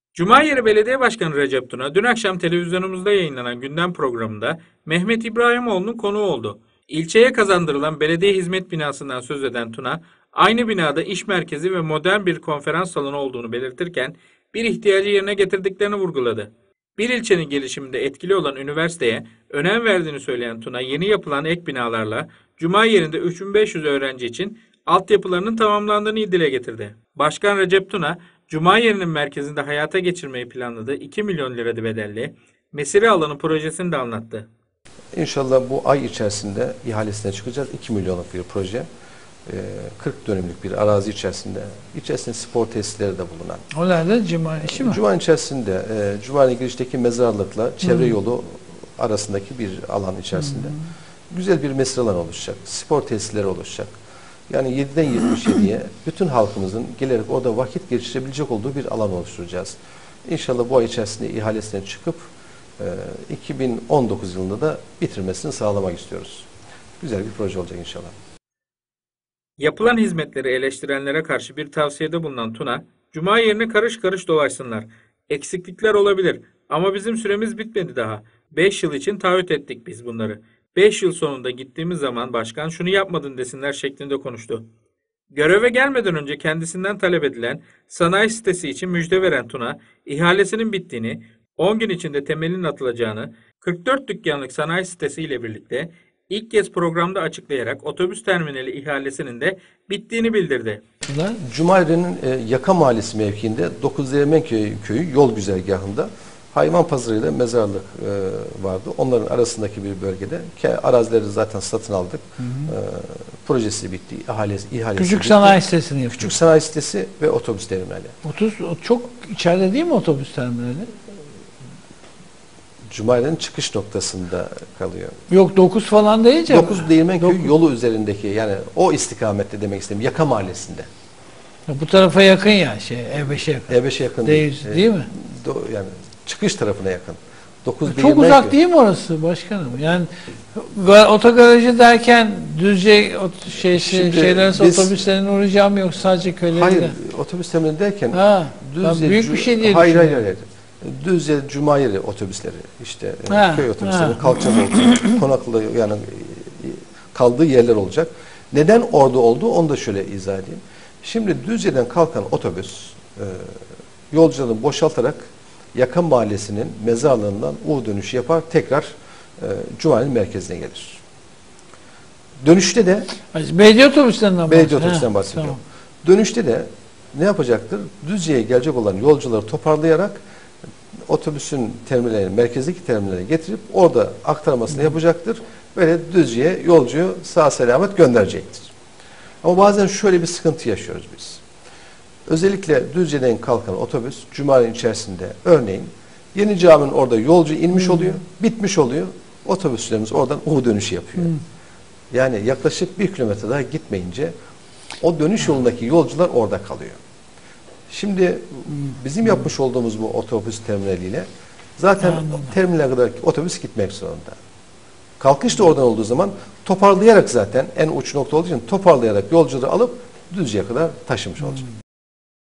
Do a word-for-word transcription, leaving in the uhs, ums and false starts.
Cumayeri Belediye Başkanı Recep Tuna, dün akşam televizyonumuzda yayınlanan gündem programında Mehmet İbrahimoğlu'nun konuğu oldu. İlçeye kazandırılan belediye hizmet binasından söz eden Tuna, aynı binada iş merkezi ve modern bir konferans salonu olduğunu belirtirken, bir ihtiyacı yerine getirdiklerini vurguladı. Bir ilçenin gelişiminde etkili olan üniversiteye önem verdiğini söyleyen Tuna, yeni yapılan ek binalarla Cumayeri'nde üç bin beş yüz öğrenci için altyapılarının tamamlandığını dile getirdi. Başkan Recep Tuna, Cumayeri'nin merkezinde hayata geçirmeyi planladığı iki milyon lira bedelli mesire alanı projesini de anlattı. İnşallah bu ay içerisinde ihalesine çıkacağız. iki milyonluk bir proje. kırk dönümlük bir arazi içerisinde. İçerisinde spor tesisleri de bulunan. O nerede? Cumali işi mi? Cumali içerisinde, e, Cumali girişteki mezarlıkla çevre hmm. yolu arasındaki bir alan içerisinde. Hmm. Güzel bir mesire alanı oluşacak. Spor tesisleri oluşacak. Yani yediden yetmiş yediye bütün halkımızın gelerek orada vakit geçirebilecek olduğu bir alan oluşturacağız. İnşallah bu ay içerisinde ihalesine çıkıp e, iki bin on dokuz yılında da bitirmesini sağlamak istiyoruz. Güzel bir proje olacak inşallah. Yapılan hizmetleri eleştirenlere karşı bir tavsiyede bulunan Tuna, Cuma yerine karış karış dolaşsınlar. Eksiklikler olabilir ama bizim süremiz bitmedi daha. beş yıl için taahhüt ettik biz bunları. beş yıl sonunda gittiğimiz zaman başkan şunu yapmadın desinler şeklinde konuştu. Göreve gelmeden önce kendisinden talep edilen sanayi sitesi için müjde veren Tuna, ihalesinin bittiğini, on gün içinde temelinin atılacağını, kırk dört dükkanlık sanayi sitesi ile birlikte ilk kez programda açıklayarak otobüs terminali ihalesinin de bittiğini bildirdi. Cumali'nin e, Yaka Mahallesi mevkiinde dokuz Değirmenköy köyü yol güzergahında hayvan pazarıyla mezarlık e, vardı. Onların arasındaki bir bölgede ki arazileri zaten satın aldık. Hı hı. E, projesi bitti. İhalesi, ihalesi Küçük bitti. sanayi sitesini yapıyor. Küçük sanayi sitesi ve otobüs terminali. otuz çok içeride değil mi otobüs terminali? Cumali'nin çıkış noktasında kalıyor. Yok dokuz falan değil canım. dokuz Değirmenköy yolu üzerindeki, yani o istikamette demek istedim. Yaka Mahallesi'nde. Bu tarafa yakın ya, şey E beşe yakın. E beşe yakın değil, değil, değil mi? Do, yani çıkış tarafına yakın. dokuz Çok uzak köy. Değil mi orası başkanım? Yani otogarajı derken Düzce şey, şey şeyler otobüslerin uğrayacağım yok sadece köylerinde. Hayır, otobüs terminali derken ha, Düzce büyük bir şey diye hayır, hayır hayır. Düzce Cumayeri otobüsleri, işte ha, köy otobüsleri kalacak olacak. Konaklı, yani kaldığı yerler olacak. Neden orada olduğu onu da şöyle izah edeyim. Şimdi Düzce'den kalkan otobüs e, yolcularını boşaltarak Yaka Mahallesi'nin mezarlığından U dönüşü yapar, tekrar e, Cumali'nin merkezine gelir. Dönüşte de belediye otobüslerinden belediye otobüsten bahsediyorum. Tamam. Dönüşte de ne yapacaktır? Düzce'ye gelecek olan yolcuları toparlayarak otobüsün terminali, merkezdeki terminale getirip orada aktarmasını Hı. yapacaktır. Böyle Düzce'ye yolcuyu sağ selamet gönderecektir. Ama bazen şöyle bir sıkıntı yaşıyoruz biz. Özellikle Düzce'den kalkan otobüs Cumali'nin içerisinde örneğin Yeni Cami'nin orada yolcu inmiş hmm. oluyor, bitmiş oluyor. Otobüslerimiz oradan U dönüşü yapıyor. Hmm. Yani yaklaşık bir kilometre daha gitmeyince o dönüş yolundaki yolcular orada kalıyor. Şimdi bizim yapmış olduğumuz bu otobüs terminaliyle zaten terminale kadar otobüs gitmek zorunda. Kalkış da oradan olduğu zaman toparlayarak, zaten en uç nokta olduğu için toparlayarak yolcuları alıp Düzce'ye kadar taşımış olacak.